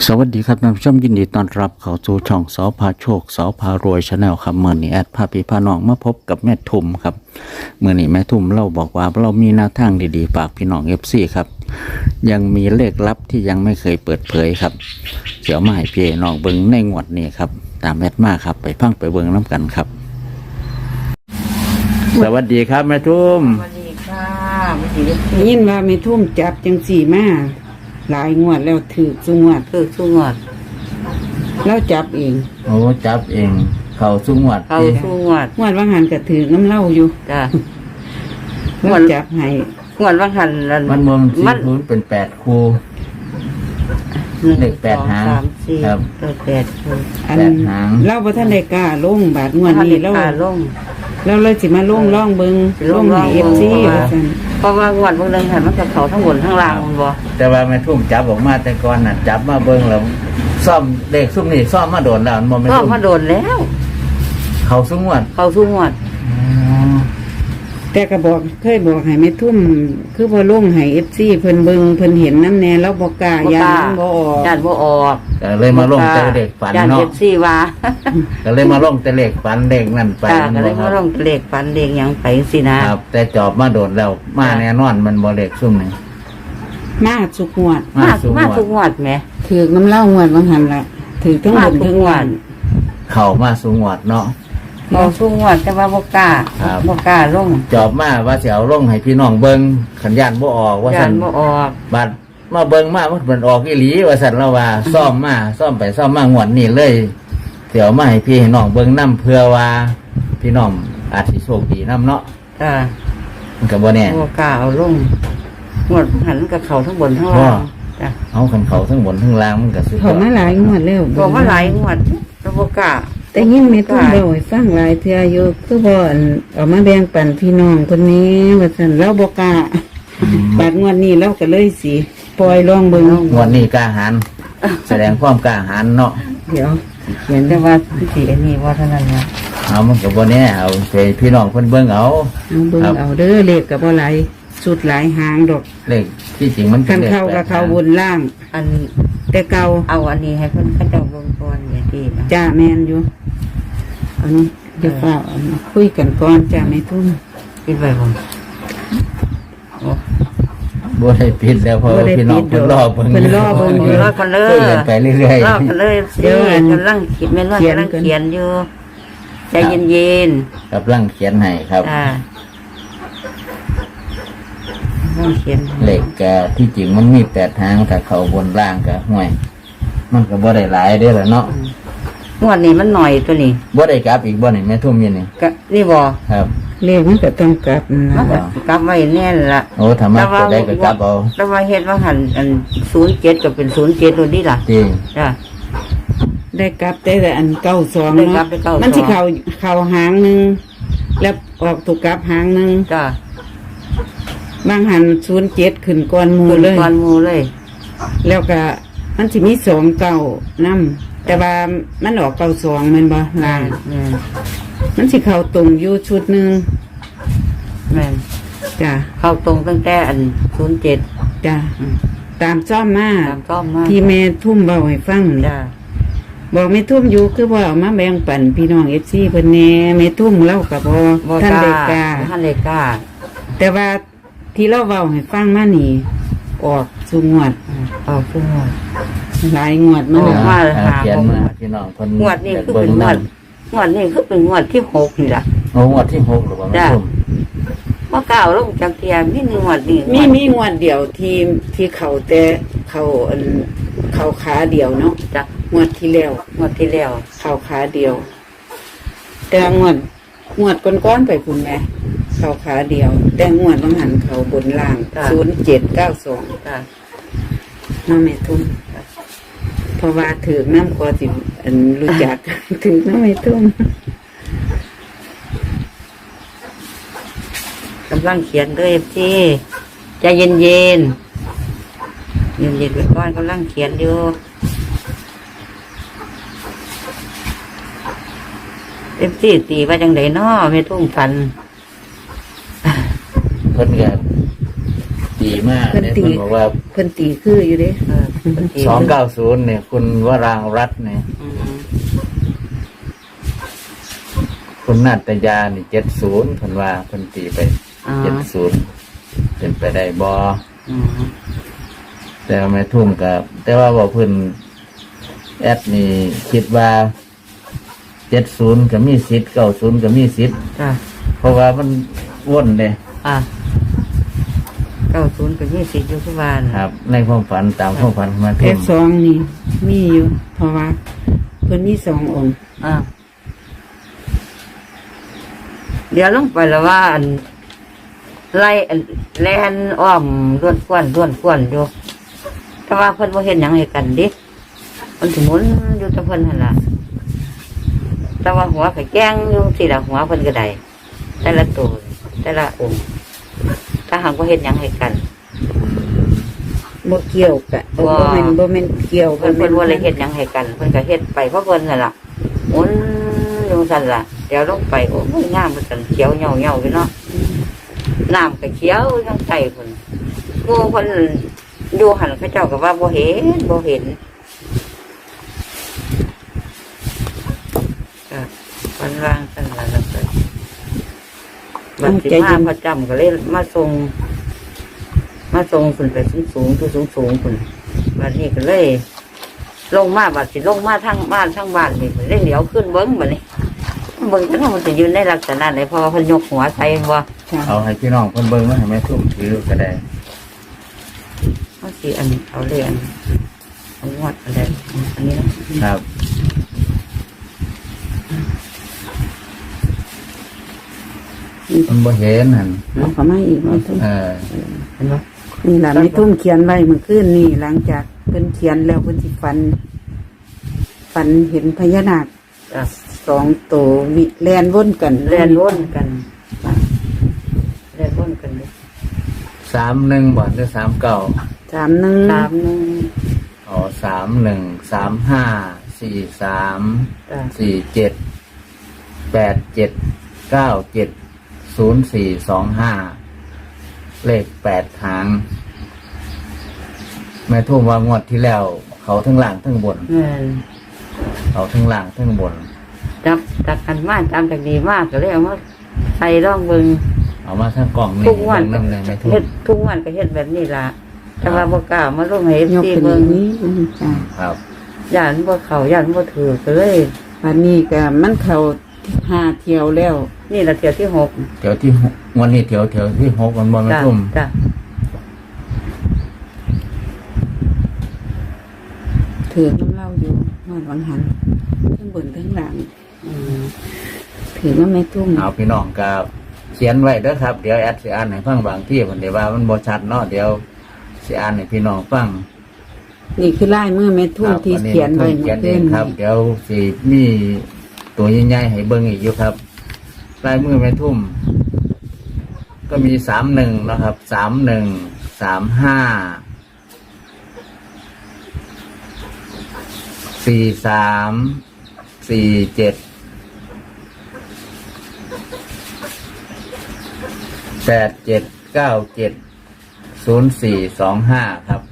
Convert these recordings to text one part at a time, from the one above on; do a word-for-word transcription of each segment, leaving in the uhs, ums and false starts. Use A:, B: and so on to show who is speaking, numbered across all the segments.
A: สวัสดีครับท่านผู้ชมยินดีต้อนรับเข้าสู่ช่องสอพาโชคสอพารวยชาแนลครับเมื่อนี้แอดพาพี่พาน้องมาพบกับแม่ทุมครับเมื่อนี้แม่ทุมเราบอกว่าเรามีแนวทางดีๆฝากพี่น้องเอฟซีครับยังมีเลขลับที่ยังไม่เคยเปิดเผยครับเดี๋ยวมาให้พี่น้องเบิ้งในงวดนี้ครับตามแอดมาครับไปพังไปเบิ้งน้ำกันครับสวัสดีครับแม่ทุม
B: สวัสดีค่ะไม่ดี
C: ยินว่าไม่ทุ่มจับจังสี่มาหลายงวดแล้วถือสุงวด
B: คือสุงวด
C: แล้วจับเอง
A: โอ้จับเองเขาสุงวด
B: เขาสุงวด
C: งวดว่างหันก็ถือน้ำเหล้าอยู่
B: จ้ะ
C: แล้วจับให้
B: งวดว่าหัน
A: มันมองสี่คูณเป็นแปดคู เลขแปดหาง
B: สามสี่
A: ครับ
B: เลขแปดคู่
C: อัน
A: แปดหาง
C: เล่าบ่ทันได้กล้าลงบาทงวดนี้แล้ว
B: ขาลง
C: แล้วเลยสิมาลงล่องเบิง
B: สิ
C: ล
B: ล
C: ง
B: ง
C: ให้
B: ล่อง
C: เอฟซี
B: เพราะว่า
C: ว่าซั่น
B: เพราะว่างวดบางเรื่องหันมันกับเขาทั้งบนทั้งล่างมันบ่
A: แต่ว่าแม่ทุ่มจับออกมาแต่ก่อนน่ะจับมาเบิ้งแล้วซ่อมเด็กซุ่มนี่ซ่อมมาโดนแล้วมันบ่แม่
B: ก็
A: ทุ่ม
B: มาโดนแล้ว
A: เขาสุงวด
B: เขาสุงวด
C: แต่ก็บอกเคยบอกให้แม่ทุ่มคือบ่ลงให้ เอฟ ซี เพิ่นเบิ่งเพิ่นเห็นน้ำแน่แล้วบ่กล้าย่านมันบ่ออก
B: ญาติบ่ออก
A: ก็เลยมาลงแต่เด็กฝัน
B: ญาติ
A: เนาะ
B: เอฟซีว่า
A: ก็เลยมาลงแต่เด็กฝันเด็กนั่นไป
B: จ้าก็เลย
A: ค
B: มา
A: รับ
B: ลงเลขปันเลขหยังไปสินะครับ
A: แต่จอบมาโดนแล้วมาแน่นอนมันบ่เด็กซุ่มนี่
C: มาสุกงวด
A: มา
B: มา
A: สุง
B: มาว
A: ด
B: ทุกงวดแหม
C: ถือน้ำเหล้างวดว่างหันละถือทั้งบนทั้งล่าง
A: เขามาสุงวดเนาะ
B: เขาสุงวดแต่ว่าบ่กล้า
A: ครับ
B: บ่กล้าลง
A: จอบมาว่าสิเอาลงให้พี่น้องเบิ่งขันยานบ่ออกว่า
B: ญา
A: ซั่น
B: ติบ่ออก
A: บัดมาเบิ่งมามันเป็นออกอีหลีว่าซั่นแล้วว่าซ่อมมาซ่อมไปซ่อมมางวดนี้เลยเดี๋ยวมาให้พี่ให้น้องเบิ่งนํเพื่อว่าพี่น้องอาจสิโชคดีนํเนาะ
B: จ้า
A: มันก็บ่แน่
B: บ่กล้าเอาลงงวดหันกับเขาทั้งบนทั้งล่างจ้ะ
A: เอาคันเขาทั้งบนทั้งล่างมันก็สุดย
C: เขา
A: อด
C: มาหลายงวดแล้ว
B: บอกว่าหลายงวดแล้วบ่กล้า
C: แต่ยิ่งไม่ต้องเล่าให้ฟังหลายเทื่ออยู่คือบ่อันเอามาแบ่งปันพี่น้องคนนี้ว่าซั่นเราบ่กล้าบาดงวดนี้เราก็เลยสิปล่อยลองเบิ่ง
A: งวดนี้กล้าหาญแสดงความกล้าหาญเนาะ
C: เดี๋ยว
B: เขียนแต่ว่าสิอันนี้ว่าเท่านั้นนะ
A: เอามันก็บ่แน่เอาไปพี่น้องเพิ่นเบิ่งเอา
C: เอาเบิ่ง
A: ครับ
C: เอาเด้อเลขก็บ่หลายสุดหลายหางดอก
A: เลขที่จริงมันเป็
C: คั
A: น
C: น
A: เลข
C: เข้า
A: แป
C: ก็
A: ด
C: เข้าบนล่าง
B: อัน
C: แต่เก่า
B: เอาอันนี้ให้เพิ่นเขาเจ้าเบิ่งก่อนอย่าดีนะ
C: จ้าแม่นอยู่อันนี้เดี๋ยวเฝ้าเอามาคุยกันก่อนจ้าแม่ทุ่ม
B: คิดไว้บ่โอ้
A: บ่ได้ปิดแล้วเพราะว่าพี่น้องเพิ่นรอเบิ่ง
C: เพิ่นรอเบิ่งอยู่
B: รอกันเล
A: คุ
B: ย
A: ยกันไปเรื่อย
B: รอกันเลยสิกำลังคิดแม่นว่ากำลังเขียนอยู่ใจเย็น
A: ๆกำลังเขียนให้ครับ
B: ๆจ้าต้องเขียน
A: เลขก็ที่จริงมันมีแปดทางแต่เขาบนล่างก็ห่วย มันก็บ่ได้หลายเด้อล่ะเนาะ
B: งวดนี้มันหน่อยตัวนี้
A: บ่ได้กลับอีกบ่นี่แม่ทุ่มอยู่นี่
B: ก็นี่บ่
A: ครับ
C: เลขมันก็ต้องกลับ
B: มัน
C: นะ
B: ก็กลับไว้แน่นละ
A: โอ้ถ้ามาตัวใดก็กลับเอา
B: แล้วว่าเฮ็ดว่าหันอันศูนย์เจ็ดก็เป็นศูนย์เจ็ดตัวนี้ล่ะ
A: จริง
B: จ้ะ
C: ได้กลับแต่อันเก้าสอง
B: ได้กลั
C: เนาะ
B: บไปเก้าสอง
C: มันสิเข้าเข้าหางหนึงแล้วออกถูกกลับหางหนึง
B: จ้ะ
C: บางหันศูนย์เจ็ดขึ้นก่อนหมู
B: ขึ้น
C: เลย
B: ก้อนหมูเลย
C: แล้วก็มันสิมีสองเก้านำ แต่ว่ามันออกเก้าสองแมันบ่ล่าง
B: แม่น
C: มันสิเข้าตรงอยู่ชุดหนึง
B: แม่น
C: จ้ะ
B: เข้าตรงตั้งแต่อันศูนย์เจ็ด
C: จ้ะตามซ่อมมา
B: ตามชอบมาก
C: ที่แม่ทุ่มเบาให้ฟังนี่
B: จ้ะ
C: บอกแม่ทุ่มอยู่คือว่าเอามาแบ่งปันพี่น้องเอฟซีเพิ่นแหน่แม่ทุ่มเล่ากับบ่
B: บ่
C: ท่าน
B: ก
C: ได้
B: ล้าก
C: ล้า
B: ท่านเลยกล้า
C: แต่ว่าที่เราเว้าให้ฟังมานี่ ออกสู่งวด
B: เอาขึ้นงวด
C: หลายงวดมา
B: อ
C: แล้
B: อก
C: ว
B: มา
A: อ่า
B: หา
A: เขียน
B: บ่
A: มาพี่น้องเพิ่น
B: งวดนี้คือ
A: เบิ่
B: เป็
A: ง
B: นงว
A: นั่
B: ด
A: น
B: งวดนี้คือเป็นงวดที่หกนี่ล่ะ
A: โอ้งวดที่หกหรือว่าแม่
B: จ้ะ
A: ทุ่ม
B: ว่าก้าวลงจากเทียมนี่งวดนี้
C: มีมีงวดเดียวที่ที่เขาแต่เขาอันเขาขาเดียวเนาะ
B: จ้ะ
C: งวดที่แล้ว
B: งวดที่แล้ว
C: เขาขาเดียว แต่งวดงวดก้อนๆไปคุณแม่เขาขาเดียว แต่งวดบางหันเขาบนล่างศูนย์เจ็ดเก้าสอง
B: จ้ะ
C: น้ำแม่ทุ่มเพราะว่าถือน้ำคอสิอันรู้จัก ถือน้ำแม่ทุ่ม
B: กำลังเขียนด้วยที่ใจเย็นเย็นเย็นเย็นๆไปก่อนกำลังเขียนอยู่เอฟซีตีว่าจังไดน้อไม่ทุ่งฟัน
A: เพิ่นก็ดีมาก
C: เพิ่น
A: เนี่ย
C: ตี
A: เพิ่นบอกว่า
C: เพิ่นตีคืออยู่เด้
B: เออ
A: สองเก้าศูนย์เนี่ยคุณวรางรัตน์เนี่ย
B: อืม
A: คุณนาตยานี่เจ็ดศูนย์คนว่าคนตีไป
B: อ๋อ
A: เจ็ดศูนย์เป็นไปได้บอ
B: อืม
A: แต่ว่าไม่ทุ่มกับแต่ว่าบอกเพิ่นแอดนี่คิดว่าเจ็ดศูนย์ก็มีสิทธิ์เก้าศูนย์ก็มีสิทธิ์
B: จ้ะ
A: เพราะว่ามันว่นเลย
B: อ่ะเก้าศูนย์เป็นยี่สิบอยู่ที่บ้าน
A: ครับ ในความฝันตามความฝันของแม่
C: เพ
A: ทุ่
C: ช
A: ม
C: รสองนี่มีอยู่ เพราะว่าเพิ่นมีสององค์
B: อ่ะเดี๋ยวลงไปแล้วว่าอันไล่อันแลนอ้อมล้วนควนล้วนควนอยู่แต่ว่าเพิ่นบ่เห็นหยังให้กันดิมันสมุนอยู่แตะเพิ่นหั่นล่ะแต่ว่าหัวก็แก้งอยู่สิละหัวเพิ่นก็ได้แต่ละตัวแต่ละองค์ถ้าหากว่าเห็นหยังให้กัน
C: บ่เกี่ยวกะบ่
B: ว่า
C: แม่นบ่แม่นเกี่ยว
B: เพิ่นเพิ่นว่าเลยเฮ็ดหยังให้กันเพิ่นก็เฮ็ดไปเพราะเพิ่นนั่นล่ะหมุนอยู่ซั่นล่ะเดี๋ยวลงไปโอ้ยงามมันกันเขียวเหี่ยวๆอยู่เนาะน้ำก็เขียวจังใส่เพิ่นหมู่เพิ่นอยู่หันเขาเจ้าก็ว่าบ่เห็นบ่เห็นก็เพิ่นวางซั่นล่ะแล้วก็บัดสิมาพระจำก็เลยมาส่งมาส่งขึ้นไปสูงๆตัวสูงๆพุ่นบัดนี้ก็เลย ลงมาบัดสิลงมาทางบ้านทางบ้านนี่เล่นเดี๋ยวขึ้นเบิ้งบัดนี้เบิ้งจังมันจะยืนในลักษณะไหนเพราะว่าเพิ่นยกหัวใส่ว่า
C: ค่ะ
A: เอาให้พี่น้องเพิ่นเบิ่งแล้วให้แม่ทุ่มถือก็ได้
B: เขาสิอันเอาเรียนเอางวดอะไรอันนี้นะครับ
A: มันบ่เห็นหั่น
C: เอาเข้ามาอีกว่าทุ่ม
A: เออ
B: เห็นไหม
C: นี่ล่ะไม่ทุ่มเขียนไว้เมื่อคืนนี่หลังจากเพิ่นเขียนแล้วเพิ่นสิฝันฝันเห็นพญานาค
B: จ้ะ
C: สองตัววิแลนวนกัน
B: เรียนวนกันเรียนวนกันเลย
A: สามหนึ่งบ่หรือสามเก้า
C: สามหนึ่ง
B: สามหนึ่ง
A: อ๋อสามหนึ่งสามห้าสี่สาม
B: จ้ะ
A: สี่เจ็ดแปดเจ็ดเก้าเจ็ดศูนย์สี่สองห้าเลขแปดหางแม่ทุ่มว่างวดที่แล้ว เขาทั้งล่างทั้งบน
B: เงิน
A: เขาทั้งล่างทั้งบน
B: จับจับกันมากจำจากดีมากก็เลยเอามาใส่ร่องเบิง
A: เอามาทั้งกล่องนี่
B: ทุกวัน
A: เบิ่งน้ำเลยแม่ทุ่
B: เฮ็
A: ม
B: ดทุกวันก็เฮ็ดแบบนี้ล่ะแต่ว่าบ่กล้ามาลงให้
C: ยก
B: ที่
C: ขึ้น
B: เบิ่ง
C: นี้จ้ะ
A: ครับ
B: ย่านบ่เข้าย่านบ่ถือก็เลย
C: วันนี้ก็มันเข้าห้าเที่ยวแล้ว
B: นี่ละเที่ยวที่หก
A: เดี๋ยวที่หกวันนี้เดี๋ยวเดี๋ยวที่หกวันบอลแม่
B: จ้ะ
A: ทุ่ม
B: จ้ะ
C: ถือน้ำเหล่าอยู่นอนวังหันทั้งบนทั้งหลัง
B: อืม
C: ถือว่าไม่ทุ่ม
A: เอาพี่น้องกับเขียนไว้เด้อครับเดี๋ยวแอดสิอ่านให้ฟังบางที่ผมเดี๋ยวว่ามันบ่ชัดเนาะเดี๋ยวสิอ่านให้พี่น้องฟัง
C: นี่คือลายมือแม่ทุ่มที่เขียนไว้
A: เขียนเอ
C: เมื่
A: ง
C: อ
A: ครับ
C: คืน
A: เดี๋ยวสิมีตัวใหญ่ๆให้เบิ่งอีกอยู่ครับลายมือแม่ทุ่ม ก็มีสามหนึ่งนะครับสามหนึ่งสามห้าสี่สามสี่เจ็ดแปดเจ็ดเก้าเจ็ดศูนย์สี่สองห้าครับ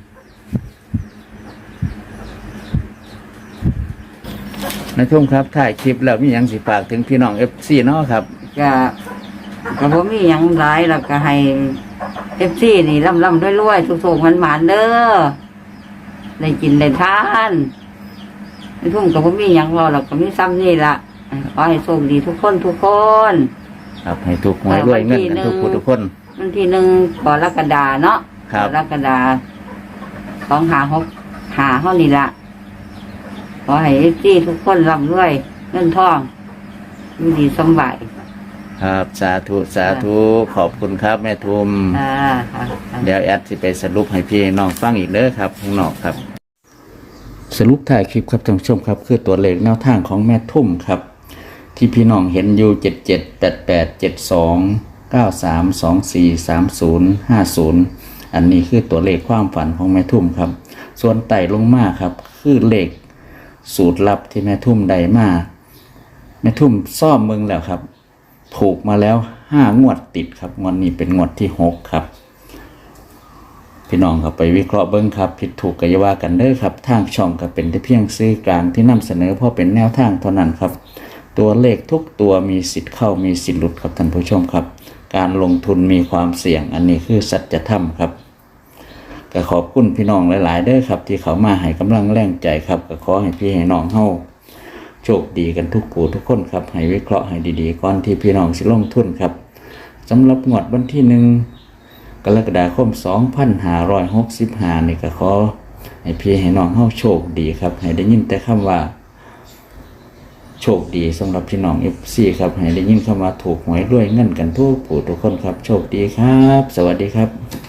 A: ในทุ่มครับถ่ายคลิปแล้วมีหยังสิฝากถึงพี่น้องเอฟซีเนาะครับ
B: ก็ก็บ่มีหยังหลายแล้วก็ให้ เอฟ ซี นี่ร่ำๆรวยๆสุขๆหวานๆเด้อได้กินได้ทานในทุ่มก็บ่มีหยังรอหรอกก็มีซ้ำนี่ล่ะขอให้โชคดีทุกคนทุกคน
A: ครับให้ทุกหวยรวยเงินกันทุกผู้ทุกคน
B: วันที่หนึ่งกรกฎาเนาะ
A: ครับ
B: กรกฎาสองหาหกหาเท่านี้ละขอให้เอฟซีทุกคนร่ำรวยเงินทองอยู่ดีสำบาย
A: ครับสาธุสาธุขอบคุณครับแม่ทุม
B: อ่าค่ะ
A: เดี๋ยวแอดสิไปสรุปให้พี่น้องฟังอีกเด้อครับข้างนอกครับ สรุปถ่ายคลิปครับท่านผู้ชมครับ คือตัวเลขแนวทางของแม่ทุ่มครับ ที่พี่น้องเห็นอยู่เจ็ดเจ็ดแปดแปดเจ็ดสองเก้าสามสองสี่สามศูนย์ห้าศูนย์อันนี้คือตัวเลขความฝันของแม่ทุ่มครับ ส่วนไต่ลงมาครับ คือเลขสูตรลับที่แม่ทุ่มได้มาแม่ทุ่มซ่อมเมืองแล้วครับถูกมาแล้วห้างวดติดครับงวดนี้เป็นงวดที่หกครับพี่น้องครับไปวิเคราะห์เบิ้งครับผิดถูกก็อย่าว่ากันเด้อครับทางช่องก็เป็นแต่เพียงซื้อกลางที่นำเสนอเพราะเป็นแนวทางเท่านั้นครับตัวเลขทุกตัวมีสิทธิ์เข้ามีสิทธิ์หลุดครับท่านผู้ชมครับการลงทุนมีความเสี่ยงอันนี้คือสัจธรรมครับก็ขอบคุณพี่น้องหลายๆเด้อครับที่เขามาให้กำลังแรงใจครับก็ขอให้พี่ให้น้องเฮาโชคดีกันทุกผู้ทุกคนครับให้วิเคราะห์ให้ดีๆก่อนที่พี่น้องสิลงทุนครับสำหรับงวดวันที่หนึ่งกรกฎาคมสองพันห้าร้อยหกสิบห้านี่ก็ขอให้พี่ให้น้องเฮาโชคดีครับให้ได้ยินแต่คำว่าโชคดีสำหรับพี่น้อง เอฟ ซี ครับให้ได้ยินคำว่าถูกหวยด้วยเงินกันทุกผู้ทุกคนครับโชคดีครับสวัสดีครับ